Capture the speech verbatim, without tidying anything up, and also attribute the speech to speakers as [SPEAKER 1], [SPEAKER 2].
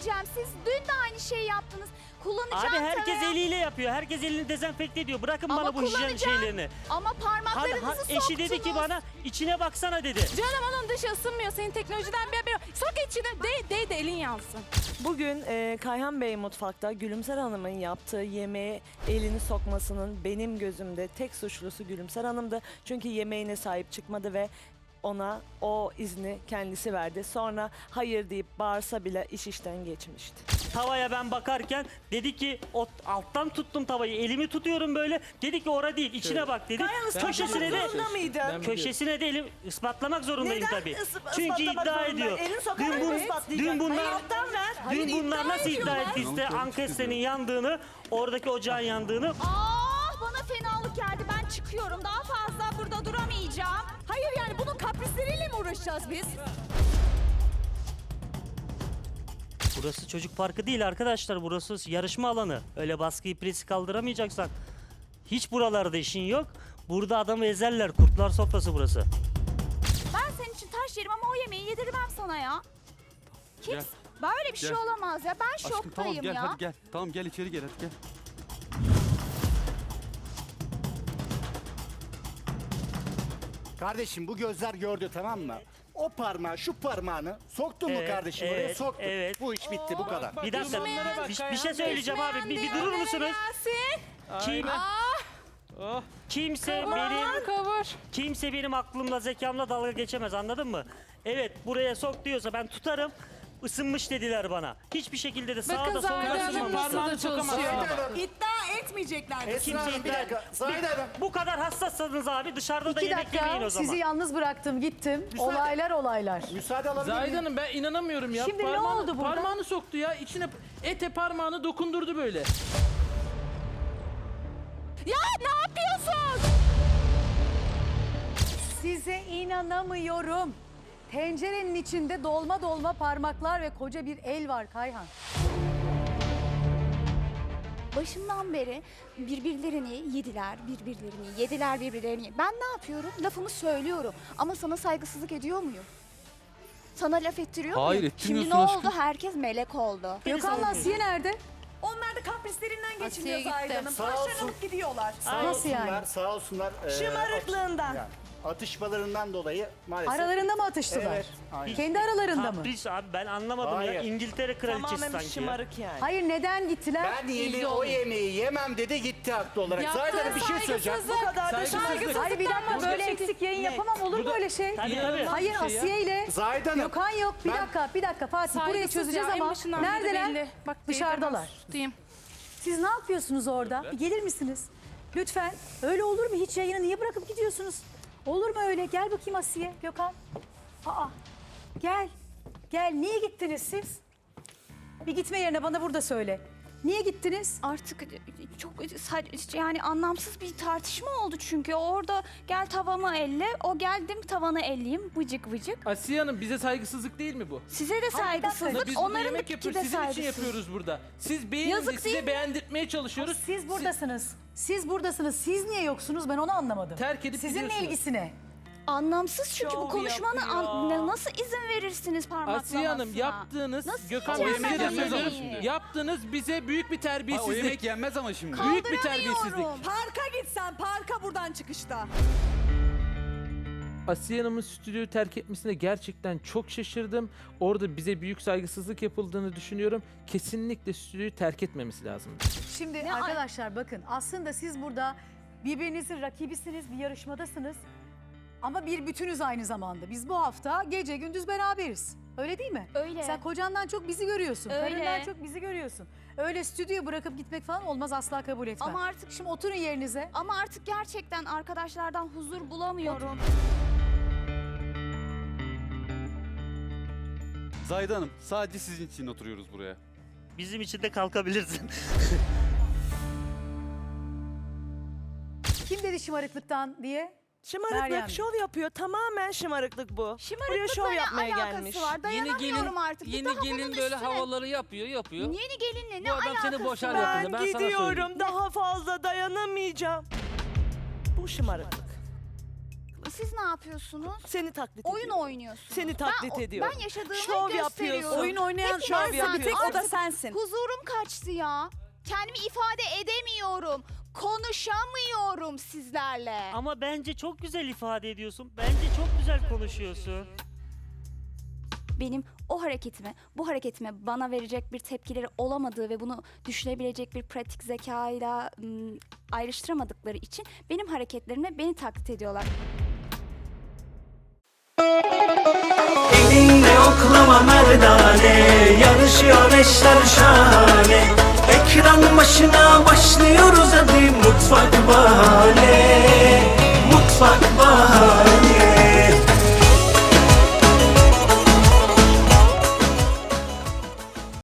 [SPEAKER 1] diyeceğim. Siz dün de aynı şeyi yaptınız. Kullanacağım
[SPEAKER 2] Abi herkes
[SPEAKER 1] tarağı.
[SPEAKER 2] eliyle yapıyor. Herkes elini dezenfekte ediyor. Bırakın
[SPEAKER 1] Ama
[SPEAKER 2] bana bu hijyen
[SPEAKER 1] kullanacağım.
[SPEAKER 2] şeylerini.
[SPEAKER 1] Ama
[SPEAKER 2] Hadi,
[SPEAKER 1] parmaklarınızı
[SPEAKER 2] ha,
[SPEAKER 1] soktunuz.
[SPEAKER 2] eşi dedi ki bana içine baksana dedi.
[SPEAKER 3] Canım onun dışı ısınmıyor. Senin teknolojiden bir haberin yok. Sok içine. Değ, değ de elin yansın.
[SPEAKER 4] Bugün e, Kayhan Bey mutfakta Gülümser Hanım'ın yaptığı yemeğe elini sokmasının benim gözümde tek suçlusu Gülümser Hanım'dı. Çünkü yemeğine sahip çıkmadı ve ona o izni kendisi verdi. Sonra hayır deyip bağırsa bile iş işten geçmişti.
[SPEAKER 2] Tavaya ben bakarken dedi ki o, alttan tuttum tavayı. Elimi tutuyorum böyle. Dedi ki ora değil içine bak dedi. Köşesine de
[SPEAKER 4] mıydın?
[SPEAKER 2] köşesine de elim ispatlamak zorundayım
[SPEAKER 4] Neden
[SPEAKER 2] tabii.
[SPEAKER 4] ıs-
[SPEAKER 2] Çünkü
[SPEAKER 4] ispatlamak
[SPEAKER 2] iddia
[SPEAKER 4] zorunda?
[SPEAKER 2] ediyor.
[SPEAKER 4] Elini sokarak
[SPEAKER 2] Dün, bu,
[SPEAKER 4] mı ispatlayacak?
[SPEAKER 2] dün bunlar,
[SPEAKER 4] Hayır, alttan ver. Hayır,
[SPEAKER 2] dün bunlar
[SPEAKER 4] iddia
[SPEAKER 2] nasıl iddia
[SPEAKER 4] ediyorlar.
[SPEAKER 2] ettiyse Ankestre'nin yandığını, oradaki ocağın yandığını.
[SPEAKER 1] Aa, bana fenalık geldi. Ben çıkıyorum. Daha fazla burada duramayacağım.
[SPEAKER 3] Hayır yani bunun kaprisleriyle mi uğraşacağız biz?
[SPEAKER 2] Burası çocuk parkı değil arkadaşlar. Burası yarışma alanı. Öyle baskıyı presi kaldıramayacaksan. Hiç buralarda işin yok. Burada adamı ezerler. Kurtlar sofrası burası.
[SPEAKER 1] Ben senin için taş yerim ama o yemeği yedirmem sana ya. Kim?
[SPEAKER 5] Gel.
[SPEAKER 1] Böyle bir şey
[SPEAKER 5] Gel.
[SPEAKER 1] olamaz ya. Ben
[SPEAKER 5] Aşkım
[SPEAKER 1] şoktayım
[SPEAKER 5] tamam gel
[SPEAKER 1] ya.
[SPEAKER 5] hadi gel. Tamam gel içeri gel hadi gel.
[SPEAKER 6] Kardeşim bu gözler gördü tamam mı? O parmağı şu parmağını soktun mu
[SPEAKER 2] Evet,
[SPEAKER 6] kardeşim oraya
[SPEAKER 2] evet,
[SPEAKER 6] soktun.
[SPEAKER 2] evet.
[SPEAKER 6] Bu iş bitti bu kadar.
[SPEAKER 2] Bir dakika. Bir, bir şey söyleyeceğim abi. Bir, bir durur musunuz?
[SPEAKER 3] Gelsin.
[SPEAKER 2] Kim,
[SPEAKER 3] Ah,
[SPEAKER 2] kimse benim
[SPEAKER 3] kavur.
[SPEAKER 2] kimse benim aklımla zekamla dalga geçemez anladın mı? Evet buraya sok diyorsa ben tutarım. Isınmış dediler bana. Hiçbir şekilde de sağda
[SPEAKER 3] Bakın
[SPEAKER 2] solda
[SPEAKER 3] Zahide Hanım
[SPEAKER 2] ısınmamışsın.
[SPEAKER 3] nasıl da çalışıyor.
[SPEAKER 4] İddia etmeyecekler.
[SPEAKER 6] Esra Hanım bir dakika. Zahide Hanım.
[SPEAKER 2] Bu kadar hassassanız abi dışarıda da
[SPEAKER 7] İki
[SPEAKER 2] yemek yemeyin
[SPEAKER 7] dakika
[SPEAKER 2] o zaman.
[SPEAKER 7] sizi yalnız bıraktım gittim.
[SPEAKER 6] Müsaade-
[SPEAKER 7] Olaylar olaylar.
[SPEAKER 6] Müsaade alabilir
[SPEAKER 8] Zahide
[SPEAKER 6] miyim?
[SPEAKER 8] Hanım ben inanamıyorum ya.
[SPEAKER 7] Şimdi ne
[SPEAKER 8] Parmağını-
[SPEAKER 7] oldu burada?
[SPEAKER 8] Parmağını soktu ya. İçine ete parmağını dokundurdu böyle.
[SPEAKER 3] Ya ne yapıyorsun?
[SPEAKER 7] Size inanamıyorum. Tencerenin içinde dolma dolma parmaklar ve koca bir el var Kayhan.
[SPEAKER 1] Başından beri birbirlerini yediler, birbirlerini yediler, birbirlerini. Ben ne yapıyorum? Lafımı söylüyorum. Ama sana saygısızlık ediyor muyum? Sana laf ettiriyor
[SPEAKER 5] Hayır,
[SPEAKER 1] muyum? Şimdi ne
[SPEAKER 5] ettirmiyorsun
[SPEAKER 1] oldu? Herkes melek oldu.
[SPEAKER 7] Gökhan'la Asiye nerede?
[SPEAKER 4] Onlar da kaprislerinden geçiniyor
[SPEAKER 3] Asiye
[SPEAKER 4] Zahide
[SPEAKER 3] gitti.
[SPEAKER 4] Hanım.
[SPEAKER 6] Sağ olsun.
[SPEAKER 4] Parçalanıp gidiyorlar.
[SPEAKER 6] Sağ
[SPEAKER 7] Nasıl yani?
[SPEAKER 6] olsunlar, sağ olsunlar. e,
[SPEAKER 4] Şımarıklığından.
[SPEAKER 6] yani atışmalarından dolayı maalesef.
[SPEAKER 7] Aralarında mı atıştılar?
[SPEAKER 6] Evet, aynen.
[SPEAKER 7] Kendi aralarında mı?
[SPEAKER 2] Kapris abi ben anlamadım
[SPEAKER 6] Hayır.
[SPEAKER 2] ya. İngiltere kraliçesi
[SPEAKER 4] Tamamen
[SPEAKER 2] sanki ya.
[SPEAKER 4] şımarık yani.
[SPEAKER 7] Hayır neden gittiler?
[SPEAKER 6] Ben yeme o yemeği yemem dedi gitti haklı olarak. Zahide Hanım bir şey söyleyeceğim.
[SPEAKER 4] Bu kadar da
[SPEAKER 8] Saygısızlık.
[SPEAKER 4] saygısızlık.
[SPEAKER 7] Hayır bir dakika
[SPEAKER 8] Bu
[SPEAKER 7] böyle
[SPEAKER 8] da-
[SPEAKER 7] eksik yayın
[SPEAKER 4] Ne?
[SPEAKER 7] yapamam olur
[SPEAKER 8] Bu da-
[SPEAKER 7] böyle şey.
[SPEAKER 2] Tabii tabii.
[SPEAKER 8] İnanılmaz
[SPEAKER 7] Hayır
[SPEAKER 8] bir şey ya.
[SPEAKER 7] Asiye ile
[SPEAKER 6] Zahide Hanım.
[SPEAKER 7] Gökhan yok. Bir
[SPEAKER 6] Ben-
[SPEAKER 7] dakika bir dakika Fatih burayı
[SPEAKER 3] Saygısız
[SPEAKER 7] çözeceğiz
[SPEAKER 3] ya, en
[SPEAKER 7] ama
[SPEAKER 3] başından beri
[SPEAKER 7] neredeler?
[SPEAKER 3] belli. Bak,
[SPEAKER 7] Dışarıdalar.
[SPEAKER 3] Diyeyim.
[SPEAKER 7] Siz ne yapıyorsunuz orada? Bir gelir misiniz? Lütfen. Öyle olur mu? Hiç yayını niye bırakıp gidiyorsunuz? Olur mu öyle? Gel bakayım Asiye, Gökhan. Aa, gel. Gel. Niye gittiniz siz? Bir gitme yerine bana burada söyle. Niye gittiniz?
[SPEAKER 1] Artık çok saç- yani anlamsız bir tartışma oldu çünkü. Orada gel tavamı elle, o geldim tavanı elleyeyim vıcık vıcık.
[SPEAKER 8] Asiye Hanım bize saygısızlık değil mi bu?
[SPEAKER 1] Size de saygısızlık,
[SPEAKER 8] Biz burada
[SPEAKER 1] onların da
[SPEAKER 8] yemek
[SPEAKER 1] ki
[SPEAKER 8] yapıyoruz.
[SPEAKER 1] de
[SPEAKER 8] Sizin için
[SPEAKER 1] saygısızlık.
[SPEAKER 8] yapıyoruz burada. Siz beğenin
[SPEAKER 1] Yazık
[SPEAKER 8] de
[SPEAKER 1] değil
[SPEAKER 8] size
[SPEAKER 1] mi?
[SPEAKER 8] beğendirtmeye çalışıyoruz.
[SPEAKER 7] Siz buradasınız. Siz buradasınız. Siz niye yoksunuz? Ben onu anlamadım.
[SPEAKER 8] Terk edip
[SPEAKER 7] Sizinle
[SPEAKER 8] gidiyorsunuz.
[SPEAKER 7] ilgisi ne?
[SPEAKER 1] Anlamsız çünkü bu
[SPEAKER 4] Şov
[SPEAKER 1] konuşmanı
[SPEAKER 4] yapıyor.
[SPEAKER 1] an- ne- nasıl izin verirsiniz parmaklamasına?
[SPEAKER 8] Asiye Hanım yaptığınız,
[SPEAKER 1] Nasıl
[SPEAKER 8] Gökhan
[SPEAKER 1] yiyeceğim
[SPEAKER 8] Bey size
[SPEAKER 1] ben
[SPEAKER 8] de
[SPEAKER 1] o
[SPEAKER 8] söylüyorum.
[SPEAKER 1] yemeği?
[SPEAKER 8] Yaptığınız bize büyük bir
[SPEAKER 5] Ha, o
[SPEAKER 8] terbiyesizlik.
[SPEAKER 5] yemek yenmez ama şimdi.
[SPEAKER 8] Büyük bir terbiyesizlik.
[SPEAKER 1] Kaldıramıyorum.
[SPEAKER 4] Parka gitsen parka buradan çıkışta.
[SPEAKER 8] Asiye Hanım'ın stüdyoyu terk etmesine gerçekten çok şaşırdım. Orada bize büyük saygısızlık yapıldığını düşünüyorum. Kesinlikle stüdyoyu terk etmemesi lazım.
[SPEAKER 7] Şimdi
[SPEAKER 1] Ne
[SPEAKER 7] arkadaşlar bakın aslında siz burada birbirinizin rakibisiniz, bir yarışmadasınız. Ama bir bütünüz aynı zamanda. Biz bu hafta gece gündüz beraberiz. Öyle değil mi?
[SPEAKER 1] Öyle.
[SPEAKER 7] Sen kocandan çok bizi görüyorsun.
[SPEAKER 1] Öyle.
[SPEAKER 7] Karından çok bizi görüyorsun. Öyle stüdyoyu bırakıp gitmek falan olmaz, asla kabul etmem.
[SPEAKER 1] Ama artık
[SPEAKER 7] Şimdi oturun yerinize.
[SPEAKER 1] ama artık gerçekten arkadaşlardan huzur bulamıyorum.
[SPEAKER 5] Zahide Hanım sadece sizin için oturuyoruz buraya.
[SPEAKER 2] Bizim için de kalkabilirsin.
[SPEAKER 7] Kim dedi şımarıklıktan diye?
[SPEAKER 4] Şımarıklık,
[SPEAKER 7] Meryem.
[SPEAKER 4] şov yapıyor. Tamamen şımarıklık bu. Buraya
[SPEAKER 1] Şımarıklıkla
[SPEAKER 4] şov
[SPEAKER 1] ne
[SPEAKER 4] yapmaya
[SPEAKER 1] alakası
[SPEAKER 4] gelmiş.
[SPEAKER 1] var?
[SPEAKER 9] Yeni
[SPEAKER 1] Dayanamıyorum
[SPEAKER 9] gelin,
[SPEAKER 1] artık. Bir
[SPEAKER 9] yeni
[SPEAKER 1] daha
[SPEAKER 9] gelin
[SPEAKER 1] bunun
[SPEAKER 9] böyle
[SPEAKER 1] üstüne-
[SPEAKER 9] havaları yapıyor, yapıyor.
[SPEAKER 1] Yeni gelinle ne
[SPEAKER 9] Bu adam
[SPEAKER 1] alakası
[SPEAKER 9] seni boşar
[SPEAKER 1] var?
[SPEAKER 9] yakında,
[SPEAKER 4] Ben
[SPEAKER 9] ben sana söyleyeyim.
[SPEAKER 4] gidiyorum. Daha fazla dayanamayacağım. Bu şımarıklık.
[SPEAKER 1] Siz ne yapıyorsunuz?
[SPEAKER 4] Seni taklit
[SPEAKER 1] Oyun
[SPEAKER 4] ediyorum.
[SPEAKER 1] oynuyorsunuz.
[SPEAKER 4] Seni taklit
[SPEAKER 1] ben, o-
[SPEAKER 4] ediyorum.
[SPEAKER 1] Ben yaşadığımı
[SPEAKER 4] Şov
[SPEAKER 1] gösteriyorum.
[SPEAKER 4] yapıyorsun.
[SPEAKER 3] Oyun oynayan
[SPEAKER 1] Hepiniz
[SPEAKER 3] şov
[SPEAKER 1] zaten
[SPEAKER 3] bir tek o da
[SPEAKER 1] artık
[SPEAKER 3] sensin.
[SPEAKER 1] Huzurum kaçtı ya. Kendimi ifade edemiyorum. Konuşamıyorum sizlerle.
[SPEAKER 2] Ama bence çok güzel ifade ediyorsun. Bence çok güzel konuşuyorsun.
[SPEAKER 1] Benim o hareketime, bu hareketime bana verecek bir tepkileri olamadığı ve bunu düşünebilecek bir pratik zekayla ım, ayrıştıramadıkları için benim hareketlerimle beni taklit ediyorlar.
[SPEAKER 9] Elinle oklama merdane, yarışıyor eşler şahane. Ekran başına başlıyoruz hadi mutfak bahane.